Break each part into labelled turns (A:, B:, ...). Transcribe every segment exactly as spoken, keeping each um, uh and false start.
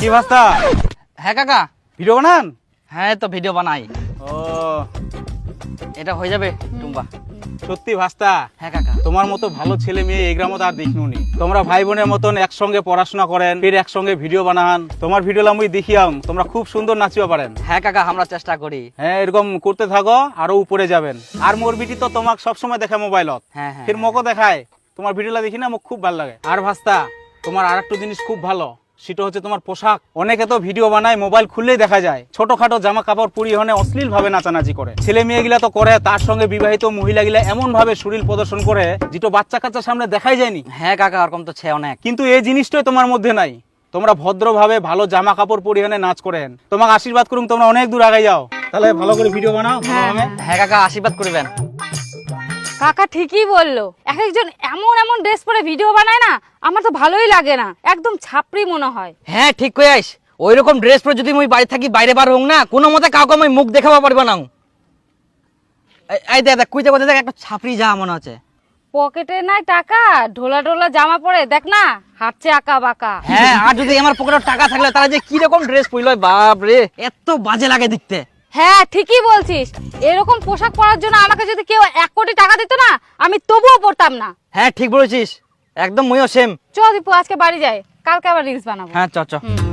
A: কি ভাস্তা?
B: হ্যাঁ কাকা,
A: ভিডিও বানান?
B: হ্যাঁ তো ভিডিও বানাই।
A: ও
B: এটা হয়ে যাবে টুম্বা?
A: সত্যি ভাস্তা,
B: হ্যাঁ কাকা।
A: তোমার মতো ভালো ছেলে মেয়ে এই গ্রামে আর দেখিনি। তোমরা ভাই বোনের মতন একসঙ্গে পড়াশোনা করেন, ফির একসঙ্গে ভিডিও বানান। তোমার ভিডিও আমি দেখিয়াম, তোমরা খুব সুন্দর নাচিও পারেন।
B: হ্যাঁ কাকা, আমরা চেষ্টা করি।
A: হ্যাঁ এরকম করতে থাকো, আরো উপরে যাবেন। আর মোর বিটি তো তোমাকে সবসময় দেখে মোবাইলত,
B: হ্যাঁ হ্যাঁ
A: ফির মকো দেখায়। তোমার ভিডিওটা দেখি না, মোক খুব ভালো লাগে। আর ভাস্তা, তোমার আর একটা জিনিস খুব ভালো, সেটা হচ্ছে তোমার পোশাক। অনেকে তো ভিডিও বানায়, মোবাইল খুললেই দেখা যায় ছোটখাটো জামা কাপড় পরিহনে অশ্লীল ভাবে নাচানাচি করে। ছেলে মেয়ে গিলা তো করে, তার সঙ্গে বিবাহিত মহিলা গিলা এমন ভাবে শরীর প্রদর্শন করে যেটা বাচ্চা কাচ্চার সামনে দেখাই যায়নি।
B: হ্যাঁ কাকা, ওরকম তো ছে অনেক।
A: কিন্তু এই জিনিসটাই তোমার মধ্যে নাই। তোমরা ভদ্রভাবে ভালো জামা কাপড় পরিহনে নাচ করেন। তোমাকে আশীর্বাদ করুন, তোমরা অনেক দূর আগে যাও। তাহলে ভালো করে ভিডিও বানাও।
B: হ্যাঁ কাকা, আশীর্বাদ করবেন।
C: কাকা ঠিকই বললো, এক একজন এমন এমন ড্রেস পরে ভিডিও বানায় না, আমার তো ভালোই লাগে না, একদম ছাপড়ি মনে হয়।
B: হ্যাঁ ঠিক কই আইস, ওই রকম ড্রেস পরে যদি মুই বাড়ি থাকি, বাইরে বার হোক না, কোনো মতে কাউকে আমি মুখ দেখাবা পারবো না। এই দেখ দেখ, কুইতে কোথায় দেখ, একটা ছাপড়ি যা মনে হচ্ছে।
C: পকেটে নাই টাকা, ঢোলা ঢোলা জামা পরে দেখ না, হাঁটছে আঁকা বাঁকা।
B: হ্যাঁ, আর যদি আমার পকেটে টাকা থাকলে তারা যে কি রকম ড্রেস পরলো, বাপ রে, এত বাজে লাগে দেখতে।
C: হ্যাঁ ঠিকই বলছিস, এরকম পোশাক পরার জন্য আমাকে যদি কেউ এক কোটি টাকা দিত না, আমি তবুও পরতাম না।
B: হ্যাঁ ঠিক বলেছিস, একদম মুইও সেম।
C: চ দীপু, আজকে বাড়ি যাই, কালকে আবার রিলস বানাবো।
B: হ্যাঁ চ চ।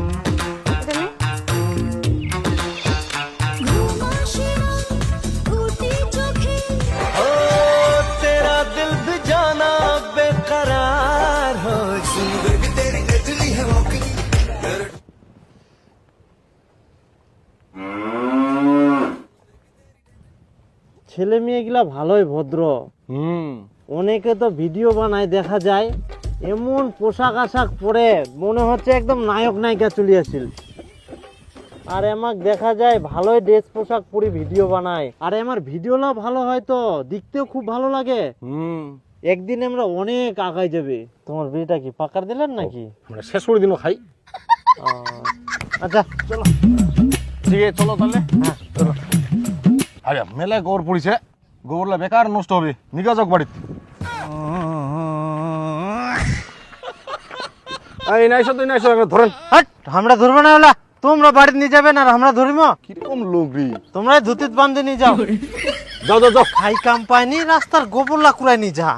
D: ছেলে মেয়েগুলা ভালোই ভদ্র। হুম অনেকে তো ভিডিও বানায়, দেখা যায় এমন পোশাক আশাক পরে মনে হচ্ছে একদম নায়ক নায়িকা চলে আসছিল। আর আমাক দেখা যায় ভালোই ড্রেস পোশাক পরে ভিডিও বানায়, আর আমার ভিডিওটা ভালো হয় তো দেখতেও খুব ভালো লাগে। হুম একদিন আমরা অনেক আগাই যাবে। তোমার বিয়েটা কি পাকার দিলেন নাকি?
E: আমরা শেষ করে দিন খাই।
D: আচ্ছা চলো,
E: ঠিক আছে চলো তাহলে। হ্যাঁ চলো। আরে মেলায় গোবর পড়িছে, গোবরলা বেকার নষ্ট হবে, নিগা যাক বাড়িতে। এই নাইছো তুই নাইছো, ধরেন।
D: হাট, আমরা ধরবো না, ওলা তোমরা বাড়িতে নিয়ে যাবেন আর আমরা ধরিম।
E: কিরকম লোক রে,
D: তোমরা ধুতিত বান্ধে নিয়ে যাও।
E: যাও যাও যাও।
D: খাই কাম পায়নি, রাস্তার গোবরলা কুড়াই নি যা।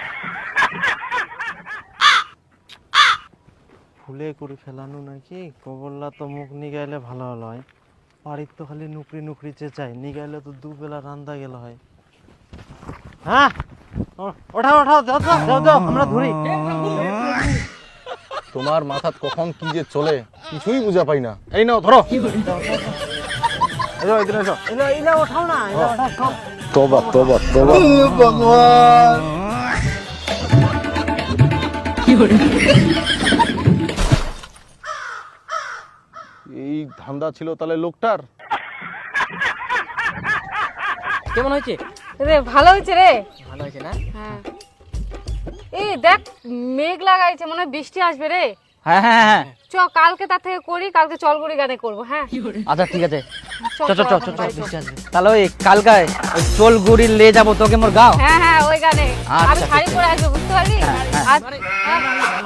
D: ফুলে করে ফেলানো নাকি, গোবরলা তো মুখ নিগাইলে ভালো হলো হয়। বাড়ির তো খালি নুকরি নুকরি চেঁচাই, নিগাইলে তো দুবেলা রান্দা গেল হয়। হ্যাঁ ওঠাও ওঠাও, যাও যাও যাও যাও, আমরা ধরি।
E: তোমার মাথাত কখন কি যে চলে কিছুই বুঝা পাই না। এই নাও ধরো। এলো এদিকে এসো।
D: এলা এলা ওঠাও না, এলা ওঠাও সব।
E: তোবা তোবা তোবা।
D: ভগবান
E: এই ধান্দা ছিল তাহলে লোকটার।
B: কেমন হয়েছে?
C: রে ভালো হয়েছে রে।
B: ভালো হয়েছে না?
C: হ্যাঁ এই দেখ, মেঘ লাগাইছে, মনে হয় বৃষ্টি আসবে রে।
B: হ্যাঁ হ্যাঁ হ্যাঁ।
C: চ কালকে তার থেকে করি, কালকে চলগুড়ি গানে করবো। হ্যাঁ
B: আচ্ছা ঠিক আছে,
C: চ
B: চ চ চ চ চ,
C: বাড়ি চ।
B: বৃষ্টি আসবে। তাহলে ওই কালকায় ওই চোল গুড়ি লে যাবো তোকে মোর গাও।
C: হ্যাঁ হ্যাঁ ওই গানে
B: আচ্ছা,
C: আমি শাড়ি
B: ঠিক
C: পরে আসবো, বুঝতে পারলি?
B: হ্যাঁ, হ্যাঁ।
C: আজ- হ্যাঁ।